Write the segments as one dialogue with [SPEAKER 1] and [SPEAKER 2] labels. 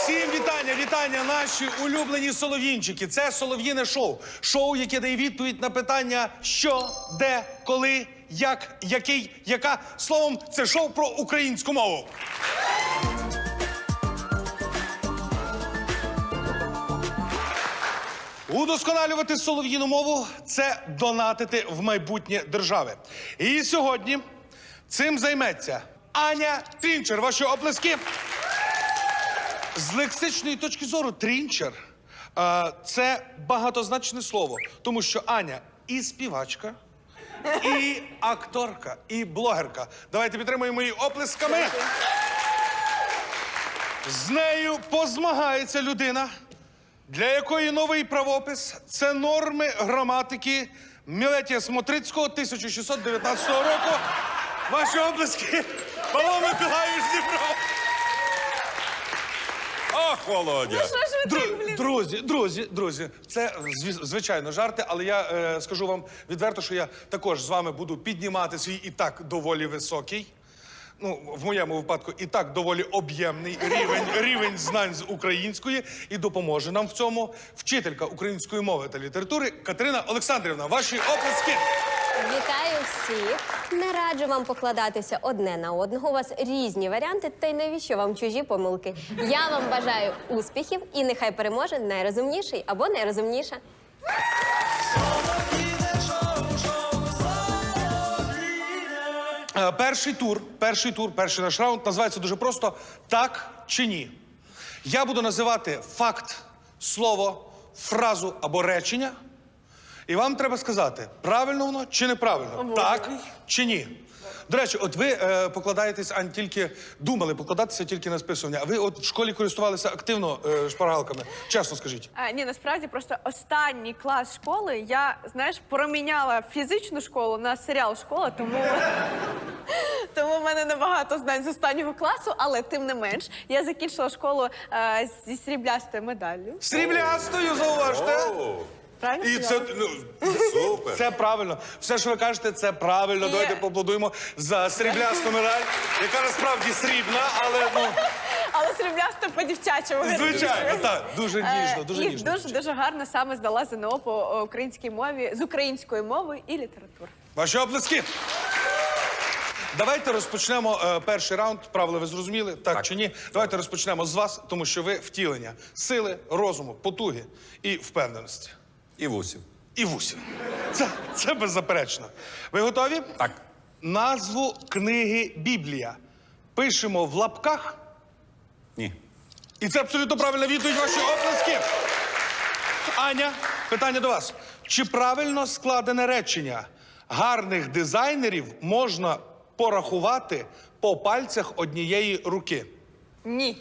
[SPEAKER 1] Всім вітання, вітання, наші улюблені солов'їнчики. Це солов'їне шоу. Шоу, яке дає відповідь на питання що, де, коли, як, який, яка. Словом, це шоу про українську мову. Удосконалювати солов'їну мову – це донатити в майбутнє держави. І сьогодні цим займеться Аня Трінчер. Ваші оплески. З лексичної точки зору трінчер – це багатозначне слово, тому що Аня і співачка, і акторка, і блогерка. Давайте підтримуємо її оплесками. З нею позмагається людина, для якої новий правопис – це норми граматики Мілетія Смотрицького 1619 року. Ваші оплески. Павло Миколайович Дібров.
[SPEAKER 2] Ах, Володя!
[SPEAKER 1] Друзі, це, звичайно, жарти, але я скажу вам відверто, що я також з вами буду піднімати свій і так доволі високий, ну, в моєму випадку, і так доволі об'ємний рівень знань з української, і допоможе нам в цьому вчителька української мови та літератури Катерина Олександрівна. Ваші оплески!
[SPEAKER 3] Вітаю всіх! Не раджу вам покладатися одне на одного. У вас різні варіанти, та й навіщо вам чужі помилки? Я вам бажаю успіхів і нехай переможе найрозумніший або найрозумніша.
[SPEAKER 1] Перший наш раунд називається дуже просто «Так чи ні?». Я буду називати факт, слово, фразу або речення, і вам треба сказати, правильно воно чи неправильно, так чи ні. До речі, от ви покладаєтесь, Ань, тільки думали покладатися тільки на списування, а ви от в школі користувалися активно шпаргалками? Чесно скажіть.
[SPEAKER 4] Ні, насправді просто останній клас школи я, знаєш, проміняла фізичну школу на серіал «Школа», тому в мене небагато знань з останнього класу, але тим не менш, я закінчила школу зі сріблястою медаллю.
[SPEAKER 1] Сріблястою, зауважте!
[SPEAKER 4] Правильно
[SPEAKER 1] І це,
[SPEAKER 4] сказала?
[SPEAKER 2] Супер!
[SPEAKER 1] це правильно. Все, що ви кажете, це правильно. Давайте поаплодуємо за сріблясту медаль, яка насправді срібна, але, ну...
[SPEAKER 4] Але сріблясто по-дівчачому.
[SPEAKER 1] Звичайно, так. Дуже ніжно, дуже ніжно.
[SPEAKER 4] І дуже гарно саме здала ЗНО по українській мові, з української мови і літератури.
[SPEAKER 1] Ваші оплески. Давайте розпочнемо перший раунд. Правила ви зрозуміли, так чи ні? Давайте розпочнемо з вас, тому що ви втілення сили, розуму, потуги і впевненості.
[SPEAKER 2] І вусів.
[SPEAKER 1] І вусів. Це беззаперечно. Ви готові?
[SPEAKER 2] Так.
[SPEAKER 1] Назву книги «Біблія» пишемо в лапках.
[SPEAKER 2] Ні.
[SPEAKER 1] І це абсолютно правильна відповідь. Ваші оплески. Аня, питання до вас. Чи правильно складене речення «гарних дизайнерів можна порахувати по пальцях однієї руки»?
[SPEAKER 4] Ні.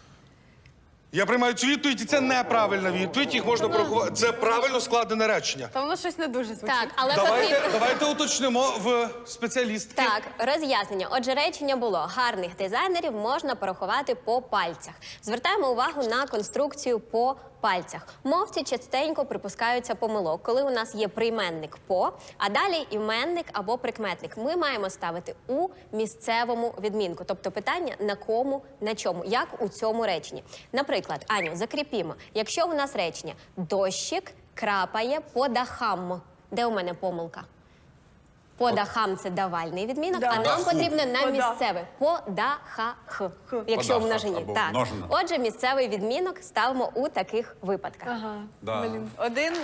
[SPEAKER 1] Я приймаю цю відповідь, і це неправильна відповідь. Їх можна порахувати. Це правильно складене речення.
[SPEAKER 4] Та воно щось не дуже звучить.
[SPEAKER 3] Так, але потрібно...
[SPEAKER 1] Давайте уточнимо в спеціалістки.
[SPEAKER 3] Так, роз'яснення. Отже, речення було «гарних дизайнерів можна порахувати по пальцях». Звертаємо увагу на конструкцію «по пальцях». Мовці частенько припускаються помилок, коли у нас є прийменник «по», а далі іменник або прикметник. Ми маємо ставити у місцевому відмінку. Тобто питання на кому, на чому, як у цьому реченні. Наприклад, Аню, закріпімо. Якщо у нас речення «дощик крапає по дахам». Де у мене помилка? По дахам – це давальний відмінок, а нам потрібно на місцеве. По дахах, якщо в множині.
[SPEAKER 2] або
[SPEAKER 3] Так.
[SPEAKER 2] множина.
[SPEAKER 3] Отже, місцевий відмінок ставимо у таких випадках.
[SPEAKER 4] Ага.
[SPEAKER 2] Да.
[SPEAKER 4] Блін. 1-0.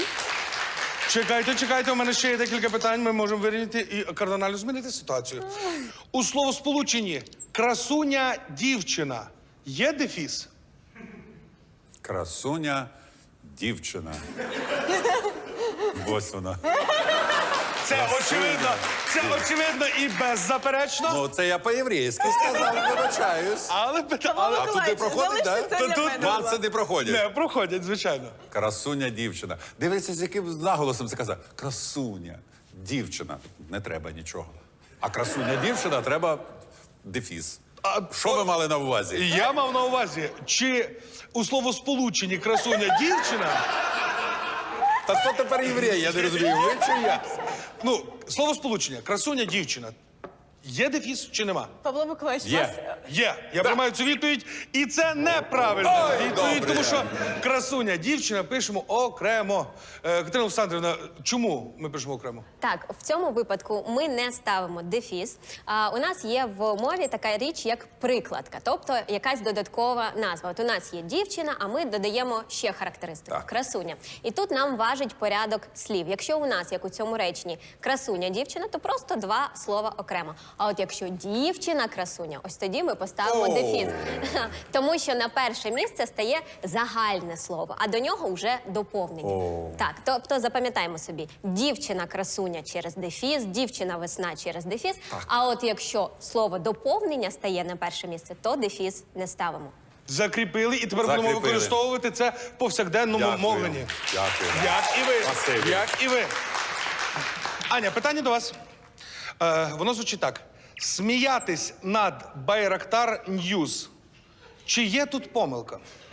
[SPEAKER 1] Чекайте, у мене ще є декілька питань, ми можемо вирішити і кардинально змінити ситуацію. У словосполученні «красуня дівчина» є дефіс?
[SPEAKER 2] Красуня дівчина. Ось вона.
[SPEAKER 1] Це очевидно і беззаперечно.
[SPEAKER 2] Ну, це я по-єврейськи сказав, вибачаюсь.
[SPEAKER 1] Але
[SPEAKER 2] А тут не проходить, так?
[SPEAKER 1] Тут
[SPEAKER 2] Нюанси не проходять.
[SPEAKER 1] не проходять, звичайно.
[SPEAKER 2] Красуня дівчина. Дивіться, з яким наголосом це казав. Красуня дівчина. Не треба нічого. А красуня дівчина треба дефіс. Що ви мали на увазі?
[SPEAKER 1] Я мав на увазі, чи у словосполученні «красуня дівчина»
[SPEAKER 2] Та хто тепер єврей? Я не розумію, ви чи я?
[SPEAKER 1] ну, словосполучення «красуня дівчина» Є дефіс чи нема?
[SPEAKER 4] Павло Миколаївич,
[SPEAKER 2] Є.
[SPEAKER 4] вас...
[SPEAKER 1] Є. Я приймаю цю відповідь. І це неправильна
[SPEAKER 2] Ой,
[SPEAKER 1] відповідь,
[SPEAKER 2] добре.
[SPEAKER 1] тому що красуня, дівчина пишемо окремо. Катерина Олександрівна, чому ми пишемо окремо?
[SPEAKER 3] Так, в цьому випадку ми не ставимо дефіс. У нас є в мові така річ, як прикладка, тобто якась додаткова назва. От у нас є дівчина, а ми додаємо ще характеристику
[SPEAKER 2] Так.
[SPEAKER 3] красуня. І тут нам важить порядок слів. Якщо у нас, як у цьому реченні, красуня, дівчина, то просто два слова окремо. А от якщо дівчина красуня, ось тоді ми поставимо
[SPEAKER 2] О.
[SPEAKER 3] дефіс. Тому що на перше місце стає загальне слово, а до нього вже доповнення.
[SPEAKER 2] О.
[SPEAKER 3] Так, тобто запам'ятаємо собі, дівчина красуня через дефіс, дівчина весна через дефіс. А от якщо слово доповнення стає на перше місце, то дефіс не ставимо.
[SPEAKER 1] Закріпили, і тепер будемо
[SPEAKER 2] Закріпили.
[SPEAKER 1] використовувати це в повсякденному
[SPEAKER 2] Дякую.
[SPEAKER 1] мовленні.
[SPEAKER 2] Дякую.
[SPEAKER 1] Як і ви.
[SPEAKER 2] Спасибі.
[SPEAKER 1] Як і ви. Аня, питання до вас. Воно звучить так. Сміятись над Байрактар Ньюз. Чи є тут помилка?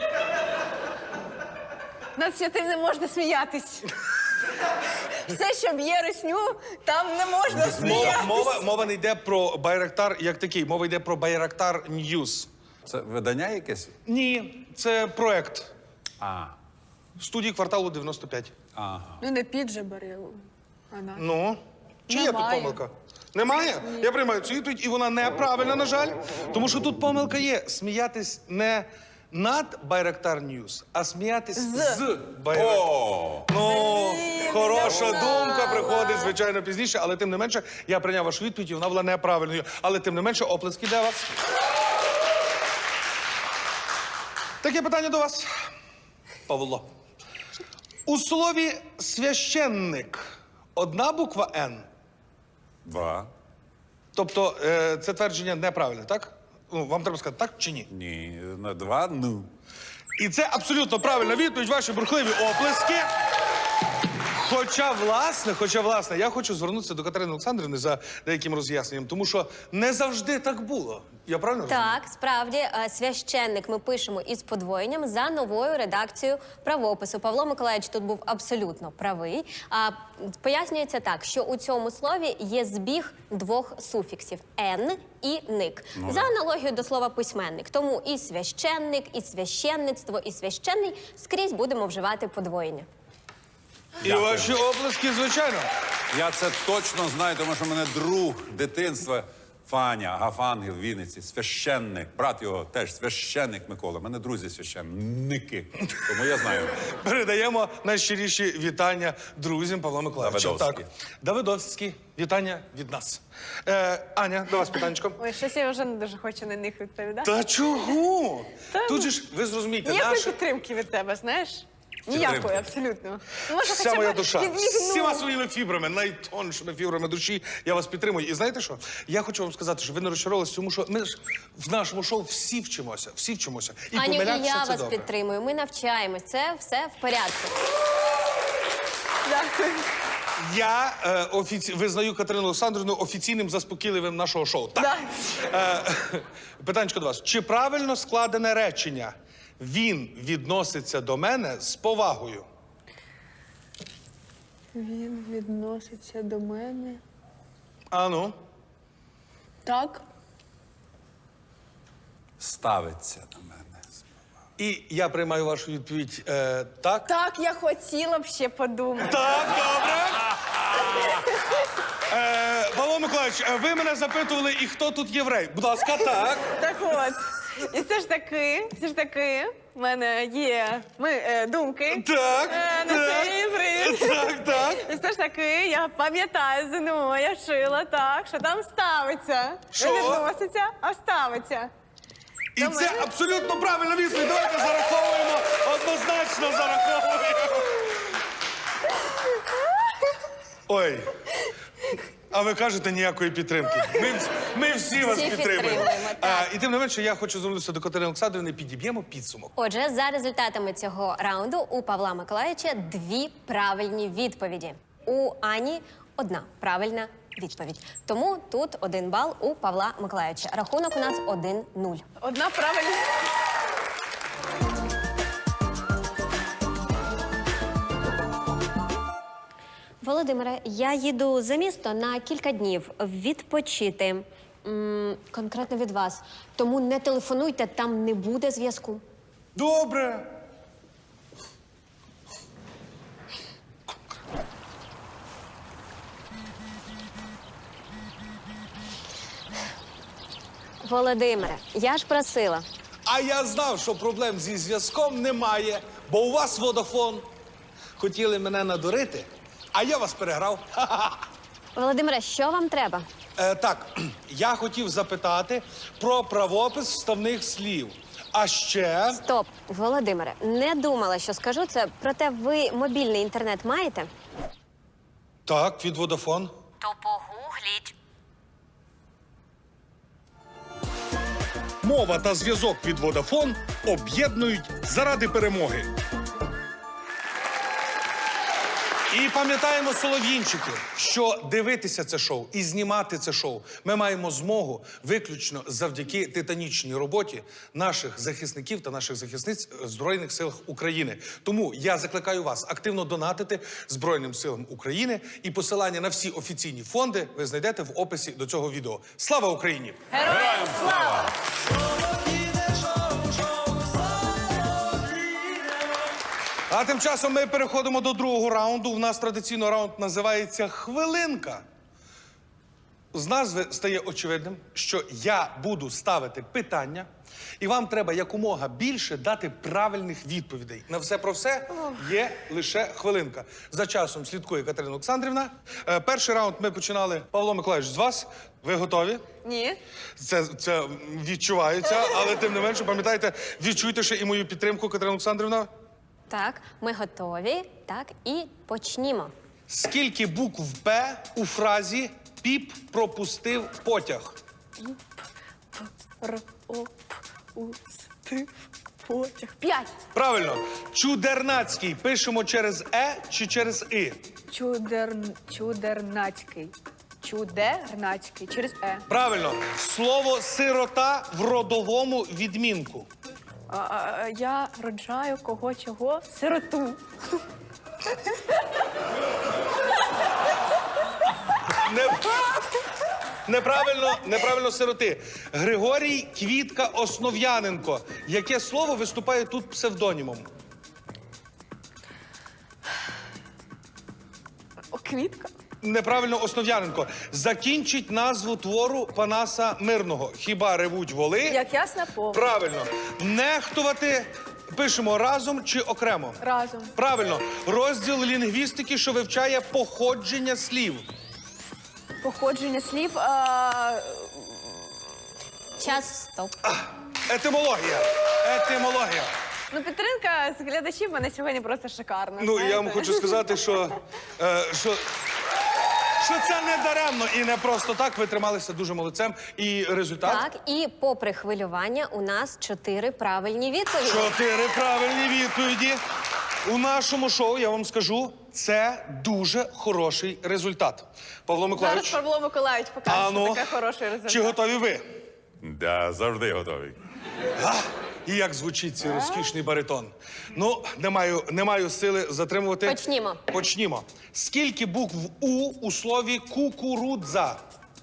[SPEAKER 4] Над святим не можна сміятись. Все, що б'є русню, там не можна сміятись.
[SPEAKER 1] Мова не йде про Байрактар як такий, мова йде про Байрактар Ньюз.
[SPEAKER 2] Це видання якесь?
[SPEAKER 1] Ні, це проект
[SPEAKER 2] А.
[SPEAKER 1] студії кварталу 95.
[SPEAKER 2] Ага.
[SPEAKER 4] Ну, не підже бери. Вона.
[SPEAKER 1] Ну, чи є тут
[SPEAKER 4] Немає.
[SPEAKER 1] помилка? Немає? Я приймаю цю відповідь, і вона неправильна, на жаль. Тому що тут помилка є. Сміятись не над Байрактар Ньюз, а сміятись з Байрактар.
[SPEAKER 2] О!
[SPEAKER 1] Ну, хороша
[SPEAKER 4] не
[SPEAKER 1] думка
[SPEAKER 4] знала.
[SPEAKER 1] приходить, звичайно, пізніше, але тим не менше, я прийняв вашу відповідь, і вона була неправильною. Але тим не менше, оплески для вас. Таке питання до вас, Павло. У слові священник одна буква Н.
[SPEAKER 2] 2.
[SPEAKER 1] Тобто це твердження неправильне, так? Ну, вам треба сказати так чи ні?
[SPEAKER 2] Ні. На 2 ну.
[SPEAKER 1] І це абсолютно правильна відповідь, ваші бурхливі оплески. Хоча, власне, я хочу звернутися до Катерини Олександрівни за деяким роз'ясненням, тому що не завжди так було. Я правильно розумію?
[SPEAKER 3] Так, справді, священник ми пишемо із подвоєнням за новою редакцією правопису. Павло Миколаївич тут був абсолютно правий. Пояснюється так, що у цьому слові є збіг двох суфіксів «н» і «ник». За аналогією до слова письменник. Тому і священник, і священництво, і священний скрізь будемо вживати подвоєння.
[SPEAKER 1] І
[SPEAKER 2] Дякую.
[SPEAKER 1] ваші оплески, звичайно.
[SPEAKER 2] Я це точно знаю, тому що в мене друг дитинства Фаня Гафангел в Вінниці, священник, брат його теж священник Микола. У мене друзі священники. Тому я знаю.
[SPEAKER 1] Передаємо найщиріші вітання друзям Павла Миколаївича.
[SPEAKER 2] Давидовські.
[SPEAKER 1] Так. Давидовські. Вітання від нас. Аня, до вас питаннячко.
[SPEAKER 4] Ой, щось я вже не дуже хочу на них відповідати.
[SPEAKER 1] Та чого? Тут же ж, ви зрозумієте,
[SPEAKER 4] Ніякої
[SPEAKER 1] наше...
[SPEAKER 4] підтримки від тебе, знаєш? Ніякої, абсолютно. Ну, може,
[SPEAKER 1] Вся
[SPEAKER 4] хоча б
[SPEAKER 1] моя душа,
[SPEAKER 4] відмігнув.
[SPEAKER 1] всіма своїми фібрами, найтоншими фібрами душі, я вас підтримую. І знаєте що? Я хочу вам сказати, що ви не розчарувалися, тому що ми ж в нашому шоу всі вчимося. І
[SPEAKER 3] Аню, і
[SPEAKER 1] помилятися
[SPEAKER 3] я
[SPEAKER 1] це
[SPEAKER 3] вас
[SPEAKER 1] добре.
[SPEAKER 3] підтримую. Ми навчаємось. Це все в порядку.
[SPEAKER 4] Дякую.
[SPEAKER 1] Я визнаю Катерину Олександрівну офіційним заспокійливим нашого шоу. Так. Питанечко до вас. Чи правильно складене речення «Він відноситься до мене з повагою»?
[SPEAKER 4] Він відноситься до мене.
[SPEAKER 1] А ну?
[SPEAKER 4] Так.
[SPEAKER 2] Ставиться на мене.
[SPEAKER 1] І я приймаю вашу відповідь так.
[SPEAKER 4] Так, я хотіла б ще подумати.
[SPEAKER 1] Так, добре. Павло Миколаївич, ви мене запитували, і хто тут єврей? Будь ласка, так.
[SPEAKER 4] Так от. І все ж таки, в мене є думки.
[SPEAKER 1] Так,
[SPEAKER 4] На
[SPEAKER 1] так.
[SPEAKER 4] цей привід.
[SPEAKER 1] Так.
[SPEAKER 4] І все ж таки, я пам'ятаю ЗНО, я вчила так, що там ставиться.
[SPEAKER 1] Що?
[SPEAKER 4] Не відноситься, а ставиться.
[SPEAKER 1] І
[SPEAKER 4] До
[SPEAKER 1] це
[SPEAKER 4] мене.
[SPEAKER 1] абсолютно правильна відповідь. Давайте зараховуємо. Однозначно зараховуємо. Ой. А ви кажете ніякої підтримки. Ми всі вас
[SPEAKER 3] Всі
[SPEAKER 1] підтримуємо.
[SPEAKER 3] підтримуємо, так.
[SPEAKER 1] І тим не менше, я хочу звернутися до Катерини Олександрівни, підіб'ємо підсумок.
[SPEAKER 3] Отже, за результатами цього раунду у Павла Миколаївича 2 правильні відповіді. У Ані 1 правильна відповідь. Тому тут 1 бал у Павла Миколаївича. Рахунок у нас 1-0.
[SPEAKER 4] Одна правильна.
[SPEAKER 3] Володимире, я їду за місто на кілька днів відпочити. Конкретно від вас. Тому не телефонуйте, там не буде зв'язку.
[SPEAKER 1] Добре.
[SPEAKER 3] Володимире, я ж просила.
[SPEAKER 1] А я знав, що проблем зі зв'язком немає, бо у вас Водафон. Хотіли мене надурити, а я вас переграв. Ха-ха-ха.
[SPEAKER 3] Володимире, що вам треба?
[SPEAKER 1] Так, я хотів запитати про правопис вставних слів. А ще...
[SPEAKER 3] Стоп, Володимире, не думала, що скажу це, проте ви мобільний інтернет маєте?
[SPEAKER 1] Так, від Водафон.
[SPEAKER 3] То погугліть.
[SPEAKER 1] Мова та зв'язок від Водафон об'єднують заради перемоги. І пам'ятаємо, солов'їнчики, що дивитися це шоу і знімати це шоу ми маємо змогу виключно завдяки титанічній роботі наших захисників та наших захисниць в Збройних силах України. Тому я закликаю вас активно донатити Збройним силам України, і посилання на всі офіційні фонди ви знайдете в описі до цього відео. Слава Україні!
[SPEAKER 4] Героям слава!
[SPEAKER 1] А тим часом ми переходимо до другого раунду. У нас традиційно раунд називається «Хвилинка». З назви стає очевидним, що я буду ставити питання, і вам треба якомога більше дати правильних відповідей. На все про все є лише хвилинка. За часом слідкує Катерина Олександрівна. Перший раунд ми починали, Павло Миколаївич, з вас. Ви готові?
[SPEAKER 4] Ні.
[SPEAKER 1] Це відчувається, але тим не менше, пам'ятайте, відчуйте ще і мою підтримку, Катерина Олександрівна.
[SPEAKER 3] Так, ми готові. Так, і почнімо.
[SPEAKER 1] Скільки букв «П» у фразі «Піп пропустив потяг»?
[SPEAKER 4] Пропустив потяг. 5.
[SPEAKER 1] Правильно. Чудернацький пишемо через «е» чи через «и»?
[SPEAKER 4] Чудернацький. Чудернацький. Через Е.
[SPEAKER 1] Правильно. Слово «сирота» в родовому відмінку.
[SPEAKER 4] Я роджаю кого чого? Сироту.
[SPEAKER 1] Неправильно сироти. Григорій Квітка Основ'яненко. Яке слово виступає тут псевдонімом?
[SPEAKER 4] Квітка.
[SPEAKER 1] Неправильно Основ'яненко. Закінчить назву твору Панаса Мирного. Хіба ревуть воли?
[SPEAKER 4] Як ясна пова.
[SPEAKER 1] Правильно. Нехтувати пишемо разом чи окремо?
[SPEAKER 4] Разом.
[SPEAKER 1] Правильно. Розділ лінгвістики, що вивчає походження слів.
[SPEAKER 4] Походження слів.
[SPEAKER 3] Час, стоп.
[SPEAKER 1] Етимологія. Етимологія.
[SPEAKER 4] Ну, підтримка з глядачів в мене сьогодні просто шикарна.
[SPEAKER 1] Ну,
[SPEAKER 4] знаєте?
[SPEAKER 1] я вам хочу сказати, що це не даремно і не просто так. Ви трималися дуже молодцем. І результат?
[SPEAKER 3] Так, і попри хвилювання у нас 4 правильні відповіді.
[SPEAKER 1] 4 правильні відповіді. У нашому шоу, я вам скажу, це дуже хороший результат. Павло
[SPEAKER 4] Зараз
[SPEAKER 1] Миколаївич,
[SPEAKER 4] Павло Миколаївич покаже,
[SPEAKER 1] а ну,
[SPEAKER 4] що таке хороший результат.
[SPEAKER 1] чи готові ви?
[SPEAKER 2] Да, завжди готовий.
[SPEAKER 1] І як звучить цей розкішний баритон? Ну, не маю сили затримувати.
[SPEAKER 3] Почнімо.
[SPEAKER 1] Почнімо. Скільки букв у слові кукурудза?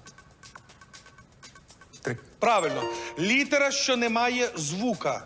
[SPEAKER 2] 3.
[SPEAKER 1] Правильно. Літера, що не має звука.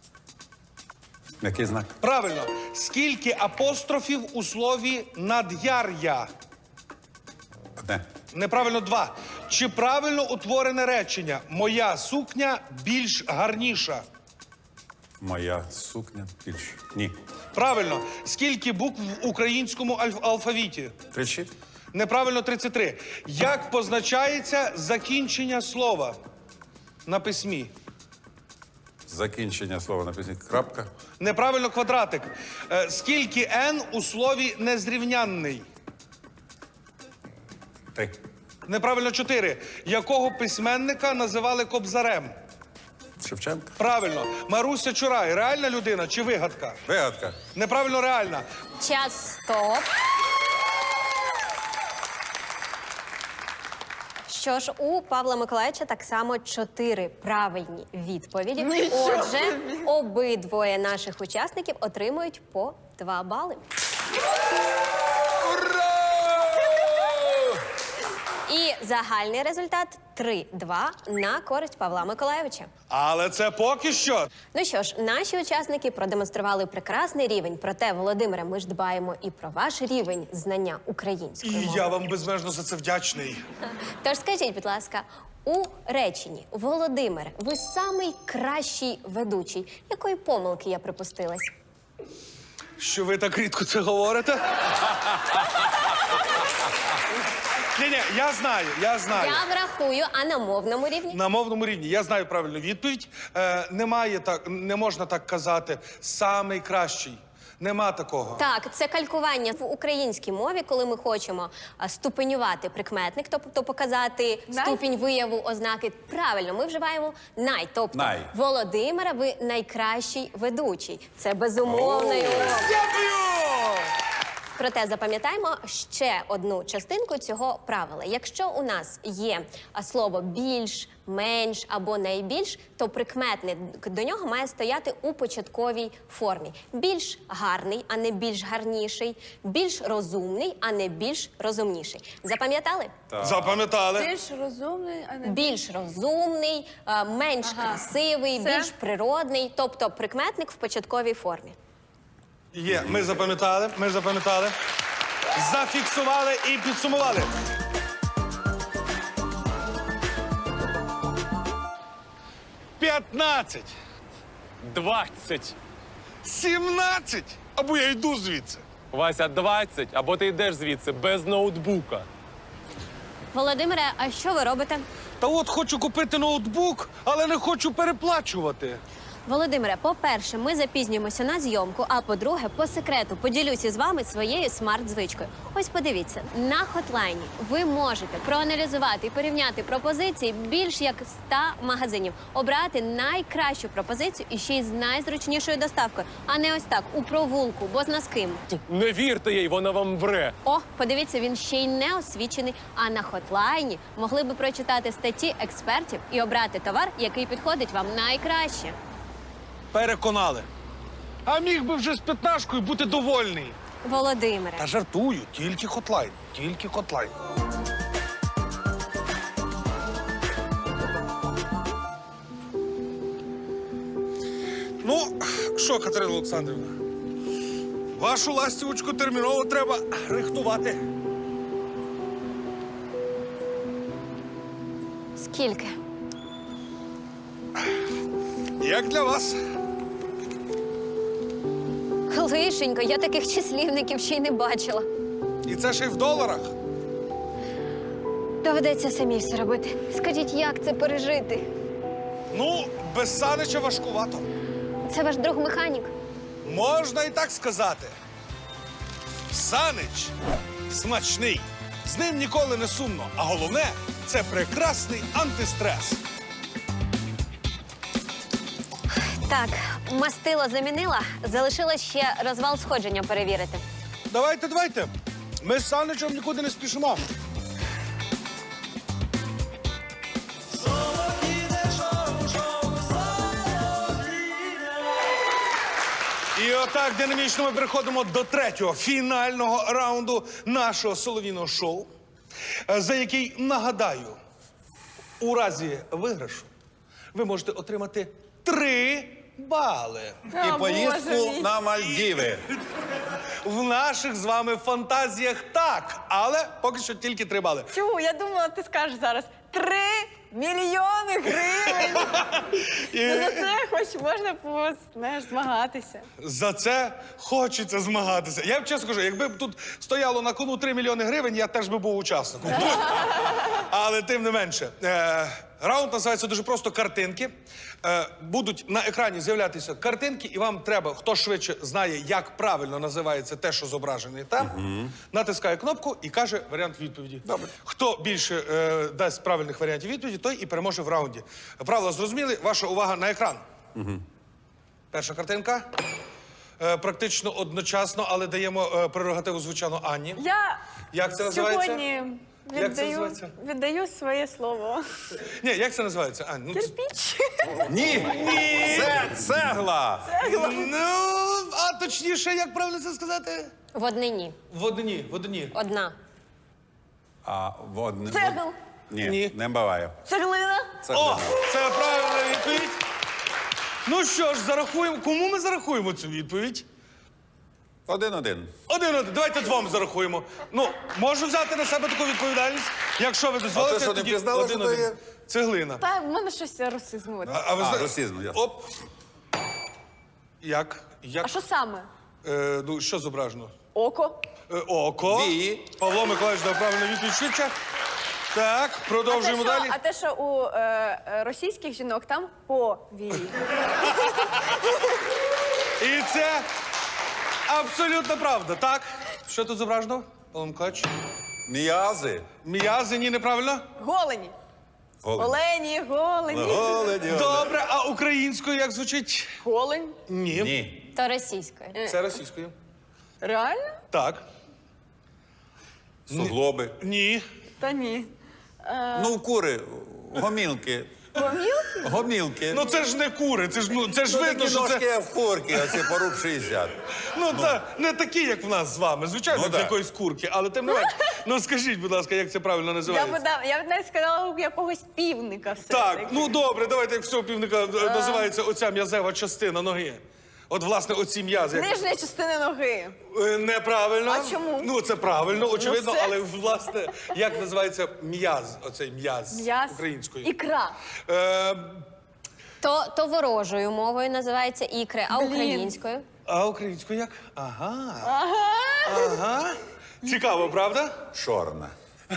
[SPEAKER 2] Який знак?
[SPEAKER 1] Правильно. Скільки апострофів у слові над'яр'я?
[SPEAKER 2] 1.
[SPEAKER 1] Неправильно 2. Чи правильно утворене речення? Моя сукня більш гарніша.
[SPEAKER 2] Моя сукня більше. Ні.
[SPEAKER 1] Правильно. Скільки букв в українському алфавіті?
[SPEAKER 2] 36.
[SPEAKER 1] Неправильно 33. Як позначається закінчення слова на письмі?
[SPEAKER 2] Закінчення слова на пісні. Крапка.
[SPEAKER 1] Неправильно квадратик. Скільки «н» у слові незрівнянний?
[SPEAKER 2] 3.
[SPEAKER 1] Неправильно 4. Якого письменника називали Кобзарем?
[SPEAKER 2] Шевченка.
[SPEAKER 1] Правильно. Маруся Чурай. Реальна людина чи вигадка?
[SPEAKER 2] Вигадка.
[SPEAKER 1] Неправильно реальна.
[SPEAKER 3] Час, стоп. Що ж, у Павла Миколаївича так само 4 правильні відповіді.
[SPEAKER 4] Нічого
[SPEAKER 3] Отже, обидвоє наших учасників отримують по 2 бали. І загальний результат 3-2 на користь Павла Миколайовича.
[SPEAKER 1] Але це поки що.
[SPEAKER 3] Ну що ж, наші учасники продемонстрували прекрасний рівень. Проте, Володимире, ми ж дбаємо і про ваш рівень знання української
[SPEAKER 1] І
[SPEAKER 3] мови.
[SPEAKER 1] я вам безмежно за це вдячний.
[SPEAKER 3] Тож скажіть, будь ласка, у реченні «Володимире, ви самий кращий ведучий». Якої помилки я припустилась?
[SPEAKER 1] Що ви так рідко це говорите? Ні, я знаю.
[SPEAKER 3] Я врахую, а на мовному рівні?
[SPEAKER 1] На мовному рівні я знаю правильну відповідь. Не можна так казати. Самий кращий. Нема такого.
[SPEAKER 3] Так, це калькування в українській мові, коли ми хочемо ступенювати прикметник, тобто показати ступінь вияву ознаки. Правильно, ми вживаємо най. Тобто,
[SPEAKER 2] Най.
[SPEAKER 3] Володимира, ви найкращий ведучий. Це безумовно.
[SPEAKER 1] Дякую!
[SPEAKER 3] Проте запам'ятаємо ще одну частинку цього правила. Якщо у нас є слово більш, менш або найбільш, то прикметник до нього має стояти у початковій формі. Більш гарний, а не більш гарніший. Більш розумний, а не більш розумніший. Запам'ятали?
[SPEAKER 1] Запам'ятали.
[SPEAKER 4] Більш розумний, а не
[SPEAKER 3] Більш розумний, менш красивий,
[SPEAKER 4] Все?
[SPEAKER 3] більш природний. Тобто прикметник в початковій формі.
[SPEAKER 1] Є, ми запам'ятали. Зафіксували і підсумували. 15,
[SPEAKER 5] 20.
[SPEAKER 1] 17, або я йду звідси.
[SPEAKER 5] Вася, 20, або ти йдеш звідси без ноутбука.
[SPEAKER 3] Володимире, а що ви робите?
[SPEAKER 1] Та от хочу купити ноутбук, але не хочу переплачувати.
[SPEAKER 3] Володимире, по-перше, ми запізнюємося на зйомку, а по-друге, по секрету поділюся з вами своєю смарт-звичкою. Ось подивіться, на хотлайні ви можете проаналізувати і порівняти пропозиції більш як 100 магазинів, обрати найкращу пропозицію і ще й з найзручнішою доставкою, а не ось так, у провулку, бозна з ким.
[SPEAKER 5] Не вірте їй, вона вам вре.
[SPEAKER 3] О, подивіться, він ще й не освічений, а на хотлайні могли би прочитати статті експертів і обрати товар, який підходить вам найкраще.
[SPEAKER 1] Переконали. А міг би вже з 15-кою бути довольний.
[SPEAKER 3] Володимире.
[SPEAKER 1] Та жартую, тільки хотлайн, тільки хотлайн. Ну, що, Катерина Олександрівна, вашу ластівочку терміново треба рихтувати.
[SPEAKER 3] Скільки?
[SPEAKER 1] Як для вас?
[SPEAKER 3] Лишенько, я таких числівників ще й не бачила.
[SPEAKER 1] І це ще й в доларах.
[SPEAKER 3] Доведеться самі все робити. Скажіть, як це пережити?
[SPEAKER 1] Ну, без Санича важкувато.
[SPEAKER 3] Це ваш друг механік.
[SPEAKER 1] Можна і так сказати. Санич смачний. З ним ніколи не сумно. А головне, це прекрасний антистрес.
[SPEAKER 3] Так, мастило замінила, залишилось ще розвал сходження перевірити.
[SPEAKER 1] Давайте. Ми з Саничем нікуди не спішимо. І отак динамічно ми переходимо до третього, фінального раунду нашого солов'їного шоу, за який, нагадаю, у разі виграшу ви можете отримати 3 бали.
[SPEAKER 2] І поїздку на Мальдіви.
[SPEAKER 1] В наших з вами фантазіях так, але поки що тільки 3 бали.
[SPEAKER 4] Чу, я думала, ти скажеш зараз 3 мільйони гривень. Ну, за це хоч можна знаєш, змагатися.
[SPEAKER 1] За це хочеться змагатися. Я б чесно кажу, якби б тут стояло на кону 3 мільйони гривень, я теж би був учасником. Але тим не менше. Раунд називається дуже просто «Картинки». Будуть на екрані з'являтися картинки, і вам треба, хто швидше знає, як правильно називається те, що зображене там, натискає кнопку і каже варіант відповіді.
[SPEAKER 2] Добре.
[SPEAKER 1] Хто більше дасть правильних варіантів відповіді, той і переможе в раунді. Правила зрозуміли? Ваша увага на екран. Перша картинка. Практично одночасно, але даємо прерогативу, звичайно, Анні.
[SPEAKER 4] Я
[SPEAKER 1] Як це називається?
[SPEAKER 4] сьогодні
[SPEAKER 1] Як це називається?
[SPEAKER 4] віддаю своє слово.
[SPEAKER 1] Ні, як це називається, Ань? Ну,
[SPEAKER 4] Кирпіч.
[SPEAKER 2] Ні! Це цегла!
[SPEAKER 1] ну, а точніше, як правильно це сказати?
[SPEAKER 3] В однині.
[SPEAKER 1] В однині.
[SPEAKER 3] Одна.
[SPEAKER 2] А водне...
[SPEAKER 4] Цегл.
[SPEAKER 2] Ні,
[SPEAKER 1] Ні.
[SPEAKER 2] не буває.
[SPEAKER 4] Цеглина.
[SPEAKER 2] Це
[SPEAKER 1] О,
[SPEAKER 2] глина.
[SPEAKER 1] це правильна відповідь. Ну що ж, зарахуємо. Кому ми зарахуємо цю відповідь?
[SPEAKER 2] 1-1.
[SPEAKER 1] Один. Давайте двом зарахуємо. Ну, можу взяти на себе таку відповідальність, якщо ви дозволите.
[SPEAKER 2] А ти що, не
[SPEAKER 1] тоді
[SPEAKER 2] пізнала, що
[SPEAKER 1] 1-1.
[SPEAKER 2] то є?
[SPEAKER 1] Цеглина.
[SPEAKER 4] Та в мене щось расизму.
[SPEAKER 1] А ви зна-
[SPEAKER 2] Росізм, ясно.
[SPEAKER 1] Оп. Як?
[SPEAKER 4] А що саме?
[SPEAKER 1] Ну, що зображено?
[SPEAKER 4] Око.
[SPEAKER 1] Око.
[SPEAKER 2] Вії.
[SPEAKER 1] Павло Миколаївич дав правильну відповідь швидше. Так, продовжуємо далі.
[SPEAKER 4] А те, що у російських жінок там повії.
[SPEAKER 1] І це абсолютно правда. Так. Що тут зображено? Павло Миколаївич?
[SPEAKER 2] М'язи.
[SPEAKER 1] М'язи, ні, неправильно?
[SPEAKER 4] Голені. Олені, голені.
[SPEAKER 2] Голені.
[SPEAKER 1] Добре, а українською як звучить?
[SPEAKER 4] Голень.
[SPEAKER 1] Ні.
[SPEAKER 2] Ні.
[SPEAKER 3] То російською.
[SPEAKER 1] Це російською.
[SPEAKER 4] Реально?
[SPEAKER 1] Так.
[SPEAKER 2] Суглоби.
[SPEAKER 1] Ні.
[SPEAKER 4] Та ні.
[SPEAKER 2] Ну, в кури, гомілки.
[SPEAKER 4] Помілки?
[SPEAKER 2] Гомілки.
[SPEAKER 1] Ну це ж не кури, це ж видно,
[SPEAKER 2] такі
[SPEAKER 1] що
[SPEAKER 2] ножки,
[SPEAKER 1] це.
[SPEAKER 2] як в курки, оці поруб 60.
[SPEAKER 1] Та не такі, як в нас з вами. Звичайно,
[SPEAKER 2] Ну,
[SPEAKER 1] з
[SPEAKER 2] так.
[SPEAKER 1] якоїсь курки, але тим не менш. Ну скажіть, будь ласка, як це правильно називається?
[SPEAKER 4] Я б навіть сказала у якогось півника все.
[SPEAKER 1] Так, ну добре, давайте як всього півника називається оця м'язева частина ноги. От, власне, оці м'язи. як-
[SPEAKER 4] Нижня частина ноги.
[SPEAKER 1] Неправильно.
[SPEAKER 4] А чому?
[SPEAKER 1] Ну, це правильно, очевидно,
[SPEAKER 4] все.
[SPEAKER 1] але, власне, як називається м'яз, оцей м'яз
[SPEAKER 4] М'яз.
[SPEAKER 1] українською?
[SPEAKER 4] Ікра.
[SPEAKER 1] Е,
[SPEAKER 3] То ворожою мовою називається ікри, а
[SPEAKER 4] Блін.
[SPEAKER 3] українською?
[SPEAKER 1] а українською як? Ага. Цікаво, правда?
[SPEAKER 2] Чорна.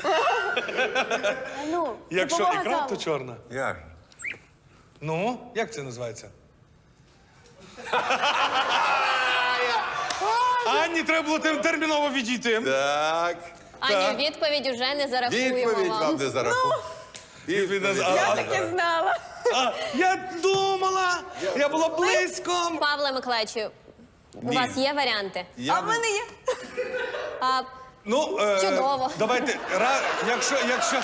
[SPEAKER 4] Ну,
[SPEAKER 1] Якщо
[SPEAKER 4] допомога
[SPEAKER 1] ікра,
[SPEAKER 4] залу.
[SPEAKER 1] то чорна.
[SPEAKER 2] Як?
[SPEAKER 1] Ну, як це називається? Анні, треба було терміново відійти.
[SPEAKER 2] Так.
[SPEAKER 3] Аню, відповідь уже не зарахуємо
[SPEAKER 2] Відповідь вам
[SPEAKER 3] вам.
[SPEAKER 2] не зарахую. Відповідь.
[SPEAKER 4] Я таки знала.
[SPEAKER 1] Я думала, я була близько.
[SPEAKER 3] Павле Миколаївичу, у
[SPEAKER 2] Ні.
[SPEAKER 3] вас є варіанти?
[SPEAKER 2] Я
[SPEAKER 4] А в мене є.
[SPEAKER 3] А,
[SPEAKER 1] Ну,
[SPEAKER 3] Чудово.
[SPEAKER 1] Давайте, якщо...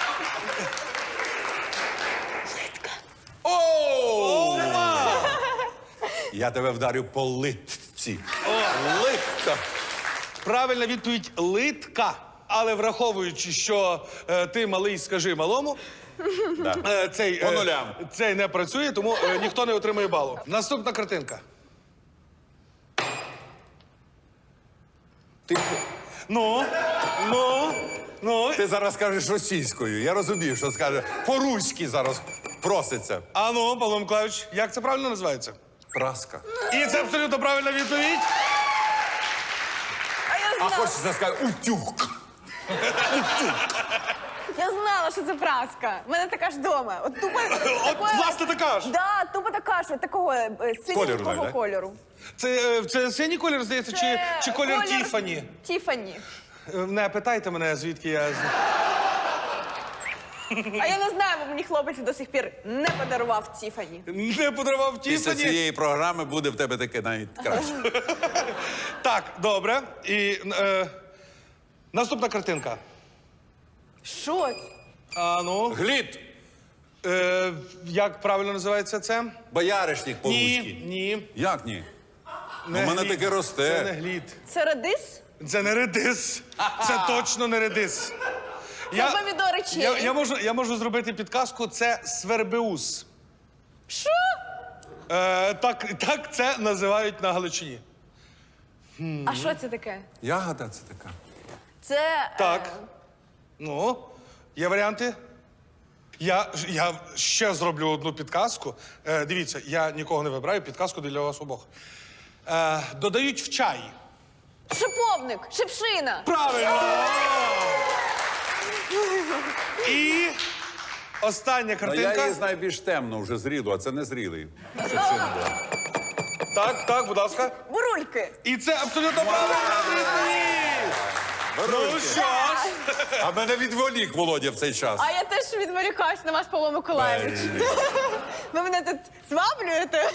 [SPEAKER 2] О! Я тебе вдарю по литці. Литка.
[SPEAKER 1] Правильна відповідь – литка. Але враховуючи, що ти малий, скажи малому,
[SPEAKER 2] Да.
[SPEAKER 1] цей,
[SPEAKER 2] По нулям.
[SPEAKER 1] цей не працює, тому ніхто не отримує балу. Наступна картинка. Ну.
[SPEAKER 2] Ти зараз скажеш російською. Я розумію, що скаже по-руськи зараз проситься.
[SPEAKER 1] А ну, Павло Миколаївич, як це правильно називається?
[SPEAKER 2] Праска.
[SPEAKER 1] І це абсолютно правильна відповідь.
[SPEAKER 2] А хочеться сказати утюг.
[SPEAKER 4] Я знала, що це праска. У мене така ж вдома. От тупо
[SPEAKER 1] От, власне, така ж.
[SPEAKER 4] Да, тупо така ж, такого
[SPEAKER 2] Кольору
[SPEAKER 4] синього
[SPEAKER 2] навіть, да?
[SPEAKER 4] кольору.
[SPEAKER 1] Це синій колір, здається, чи колір Тіфані?
[SPEAKER 4] Тіфані.
[SPEAKER 1] Не питайте мене, звідки я...
[SPEAKER 4] А я не знаю, бо мені хлопець до сих пір не подарував Тіфані.
[SPEAKER 1] Не подарував
[SPEAKER 2] Після
[SPEAKER 1] Тіфані.
[SPEAKER 2] цієї програми буде в тебе таке навіть краще.
[SPEAKER 1] Так, добре. І наступна картинка.
[SPEAKER 4] Що?
[SPEAKER 1] А ну,
[SPEAKER 2] Глід.
[SPEAKER 1] як правильно називається це?
[SPEAKER 2] Бояришник по-руськи.
[SPEAKER 1] Ні.
[SPEAKER 2] Як ні?
[SPEAKER 1] Не
[SPEAKER 2] У мене
[SPEAKER 1] глід.
[SPEAKER 2] таке росте.
[SPEAKER 1] Це не глід.
[SPEAKER 4] Це редис?
[SPEAKER 1] Це не редис. Це точно не редис.
[SPEAKER 4] Це помідори черрі.
[SPEAKER 1] Я можу зробити підказку. Це свербеус.
[SPEAKER 4] Що?
[SPEAKER 1] Так це називають на Галичині.
[SPEAKER 4] А що це таке?
[SPEAKER 2] Ягода це така.
[SPEAKER 4] Це...
[SPEAKER 1] Так. Ну, є варіанти? Я ще зроблю одну підказку. Дивіться, я нікого не вибираю, підказку для вас обох. Додають в чай.
[SPEAKER 4] Шиповник, шипшина.
[SPEAKER 1] Правильно! І остання
[SPEAKER 2] Ну,
[SPEAKER 1] картинка.
[SPEAKER 2] я її знаю більш темно, вже зрілу, а це не зрілий. Щоб це не було.
[SPEAKER 1] Так, будь ласка.
[SPEAKER 4] Бурульки.
[SPEAKER 1] І це абсолютно правильна відповідь! Ну що ж,
[SPEAKER 2] А мене відволік Володя в цей час.
[SPEAKER 4] А я теж відволікаюсь на вас, Павло Миколаївич. Ви мене тут зваблюєте?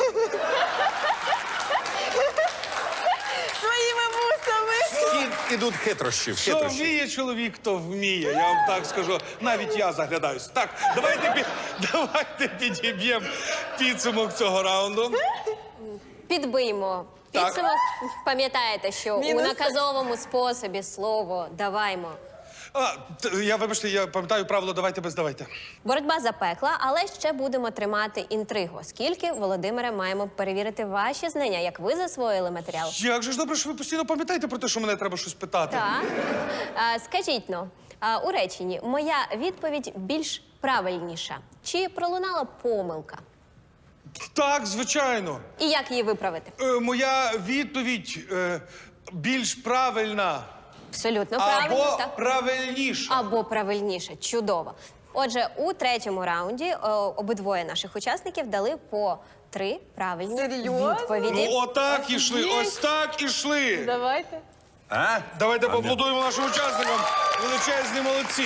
[SPEAKER 4] Своїми вусами.
[SPEAKER 2] Ідуть хитрощі.
[SPEAKER 1] що вміє чоловік, то вміє. Я вам так скажу. Навіть я заглядаюсь. Так, давайте підіб'ємо підсумок цього раунду.
[SPEAKER 3] Підбиймо.
[SPEAKER 1] Так.
[SPEAKER 3] Підсумок, пам'ятаєте, що
[SPEAKER 4] Мінус.
[SPEAKER 3] у наказовому способі слово «даваймо»
[SPEAKER 1] Вибачте, я пам'ятаю правило «давайте без давайте».
[SPEAKER 3] Боротьба запекла, але ще будемо тримати інтригу, оскільки, Володимире, маємо перевірити ваші знання, як ви засвоїли матеріал.
[SPEAKER 1] Як же ж добре, що ви постійно пам'ятаєте про те, що мене треба щось питати.
[SPEAKER 3] Так. Скажіть, у реченні моя відповідь більш правильніша. Чи пролунала помилка?
[SPEAKER 1] Так, звичайно.
[SPEAKER 3] І як її виправити?
[SPEAKER 1] Моя відповідь більш правильна.
[SPEAKER 3] Абсолютно правильно.
[SPEAKER 1] Або
[SPEAKER 3] так.
[SPEAKER 1] правильніша.
[SPEAKER 3] Або правильніше. Чудово. Отже, у третьому раунді обидвоє наших учасників дали по 3 правильні
[SPEAKER 4] Серйозно?
[SPEAKER 3] відповіді.
[SPEAKER 1] Ну, отак ішли, ось так ішли.
[SPEAKER 4] Давайте.
[SPEAKER 2] А?
[SPEAKER 1] Давайте поаплодуємо нашим учасникам. Величезні молодці.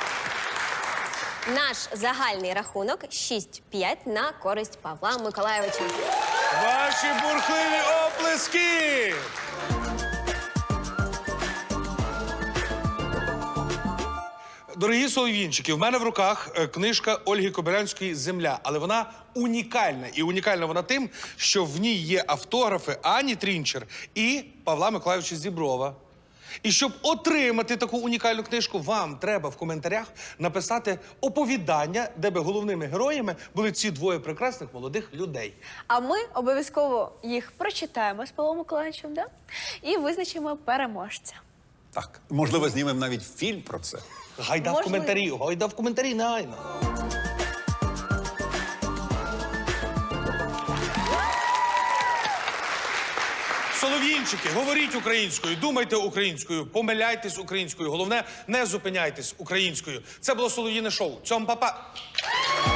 [SPEAKER 3] Наш загальний рахунок 6-5 на користь Павла Миколайовича.
[SPEAKER 1] Ваші бурхливі оплески! Дорогі солов'їнчики, в мене в руках книжка Ольги Кобилянської «Земля». Але вона унікальна. І унікальна вона тим, що в ній є автографи Ані Трінчер і Павла Миколайовича Зіброва. І щоб отримати таку унікальну книжку, вам треба в коментарях написати оповідання, де би головними героями були ці двоє прекрасних молодих людей.
[SPEAKER 4] А ми обов'язково їх прочитаємо з Павлом Миколаївичем, да? І визначимо переможця.
[SPEAKER 2] Так. Можливо, знімемо навіть фільм про це.
[SPEAKER 1] Гайда в коментарі, негайно. Солов'їнчики, говоріть українською, думайте українською, помиляйтесь українською. Головне, не зупиняйтесь українською. Це було Солов'їне шоу. Цьом, па-па!